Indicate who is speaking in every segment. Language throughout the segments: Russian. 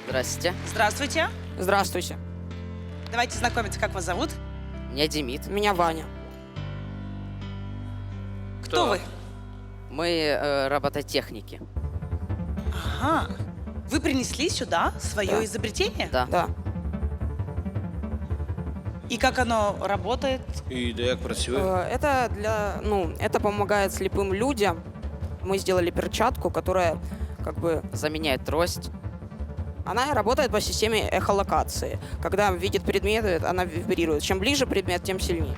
Speaker 1: Здрасте.
Speaker 2: Здравствуйте.
Speaker 3: Здравствуйте.
Speaker 2: Давайте знакомиться, как вас зовут?
Speaker 1: Меня Демид.
Speaker 3: Меня Ваня.
Speaker 2: Кто вы?
Speaker 1: Мы робототехники.
Speaker 2: Ага. Вы принесли сюда свое
Speaker 3: Да.
Speaker 2: изобретение?
Speaker 1: Да.
Speaker 3: Да.
Speaker 2: И как оно работает?
Speaker 4: І як працює?
Speaker 3: Это помогает слепым людям. Мы сделали перчатку, которая как бы
Speaker 1: Заменяет трость.
Speaker 3: она работает по системе эхолокации. Когда видит предметы, она вибрирует. Чем ближе предмет, тем сильнее.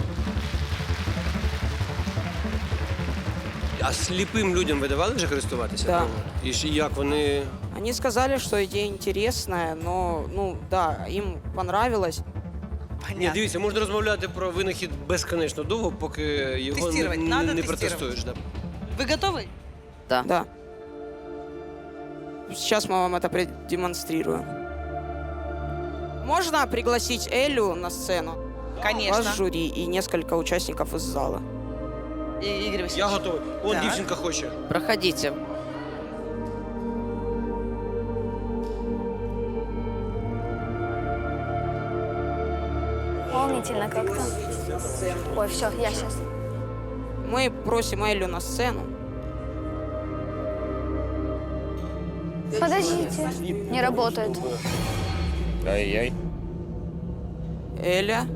Speaker 4: А сліпим людям ви давали вже користуватися?
Speaker 3: Да.
Speaker 4: І як вони.
Speaker 3: Они сказали, что идея интересная, но, да, им понравилось.
Speaker 4: Ні,
Speaker 2: Понятно.
Speaker 4: дивіться, можна розмовляти про винахід безконечно довго, поки його
Speaker 2: Тестувати,
Speaker 4: не
Speaker 2: надо тестувати.
Speaker 4: протестуєш. Да.
Speaker 2: Вы готовы?
Speaker 1: Да.
Speaker 3: Да. Сейчас мы вам это продемонстрируем. Можно пригласить Элю на сцену?
Speaker 2: Конечно.
Speaker 3: Ваш жюри и несколько участников из зала.
Speaker 2: Игорь Васильевич.
Speaker 4: Я готовий. Он
Speaker 2: Так.
Speaker 4: дівчинка хоче.
Speaker 1: Проходите.
Speaker 5: Волнительно как-то. Ой, все, я сейчас.
Speaker 3: Мы просим Элю на сцену.
Speaker 5: Подождите. Не работает.
Speaker 6: Ай-яй.
Speaker 3: Эля.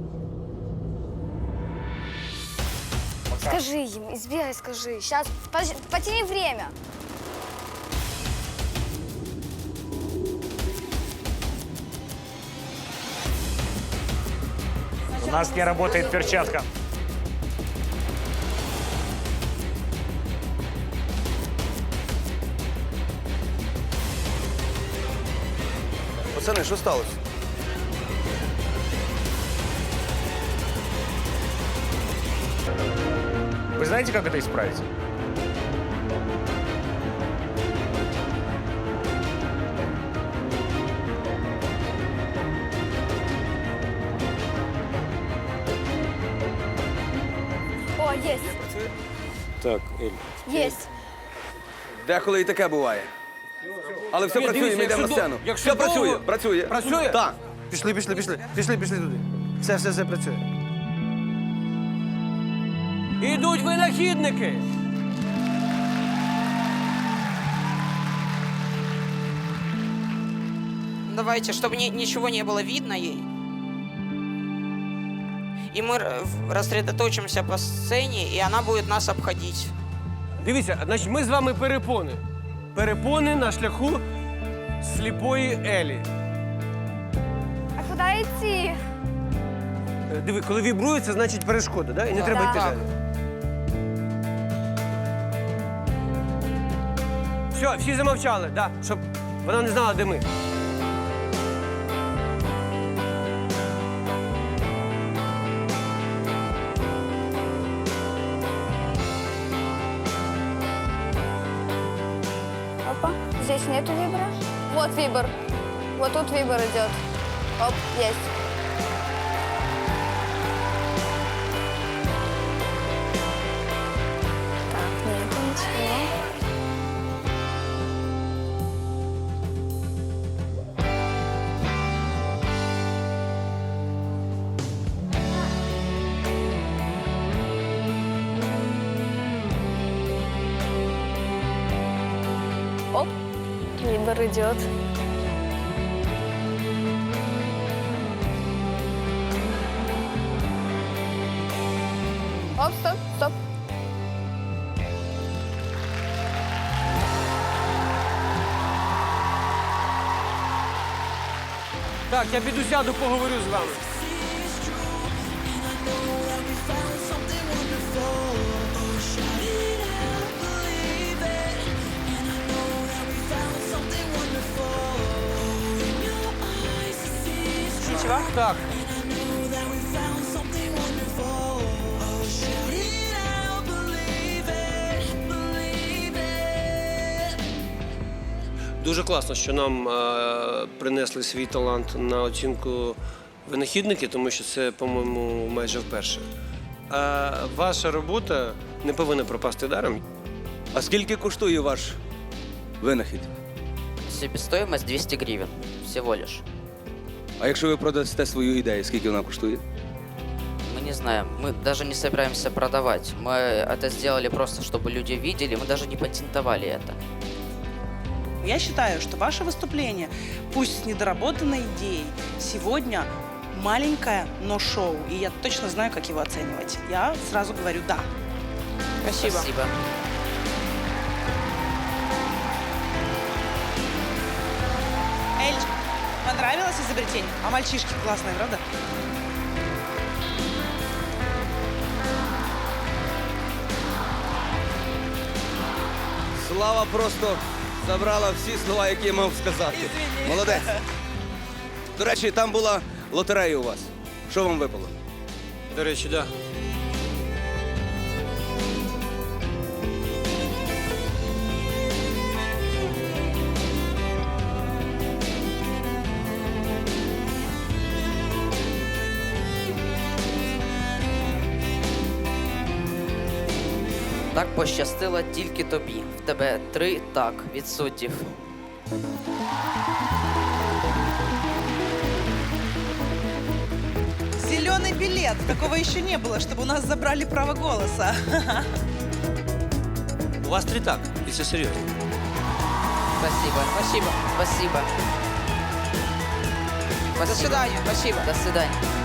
Speaker 5: Скажи им, избегай, скажи. Сейчас, потяни время.
Speaker 6: У нас не работает перчатка.
Speaker 7: Пацани, що сталося?
Speaker 6: Вы знаете, как это исправить?
Speaker 5: О, есть.
Speaker 4: Так, Ель.
Speaker 5: Есть.
Speaker 7: Деколи і таке буває. Але все працює, ми йдемо на сцену. Все працює, працює.
Speaker 8: Працює?
Speaker 7: Так.
Speaker 8: Пішли туди. Все працює. Ідуть винахідники.
Speaker 3: Давайте, чтобы ничего не было видно ей. И мы рассредоточимся по сцене, и она будет нас обходить.
Speaker 8: Дивіться, значить, ми з вами перепони. Перепони на шляху сліпої Елі.
Speaker 5: А куда идти?
Speaker 8: Диви, коли вібрується, значить перешкода, да? І не треба йти
Speaker 3: Так.
Speaker 8: далі. Все, всі замовчали, да, щоб вона не знала, де ми.
Speaker 5: Опа, здесь нету вибора. Вот вибор. Вот тут вибор идет. Оп, есть. Так, нету ничего. Оп, вибор идет. Оп, стоп, стоп.
Speaker 8: Так, я піду сяду, поговорю з вами.
Speaker 2: Ничего?
Speaker 8: Так. Дуже класно, що нам принесли свій талант на оцінку винахідники, тому що це, по-моєму, майже вперше. А ваша робота не повинна пропасти даром.
Speaker 7: А скільки коштує ваш винахід?
Speaker 1: Себестоимость 200 гривен. Всего лишь.
Speaker 7: А якщо ви продасте свою ідею, скільки вона коштує?
Speaker 1: Мы не знаем. Мы даже не собираемся продавать. Мы это сделали просто, чтобы люди видели. Мы даже не патентовали это.
Speaker 2: Я считаю, что ваше выступление, пусть с недоработанной идеей, сегодня маленькое, но шоу. И я точно знаю, как его оценивать. Я сразу говорю «да».
Speaker 3: Спасибо.
Speaker 1: Спасибо.
Speaker 2: Эль, понравилось изобретение? А мальчишки классные, правда?
Speaker 7: Слава просто забрала всі слова, які я мав сказати. Молодець. До речі, там була лотерея у вас. Що вам випало?
Speaker 8: До речі, да.
Speaker 1: Так пощастило тільки тобі. В тебе 3 так від суддів.
Speaker 2: Зеленый билет. Такого еще не было, чтобы у нас забрали право голоса.
Speaker 8: У вас 3 так, і це серйозно.
Speaker 1: Спасибо.
Speaker 3: Спасибо.
Speaker 1: Спасибо.
Speaker 3: До свидания. Спасибо.
Speaker 1: До свидания.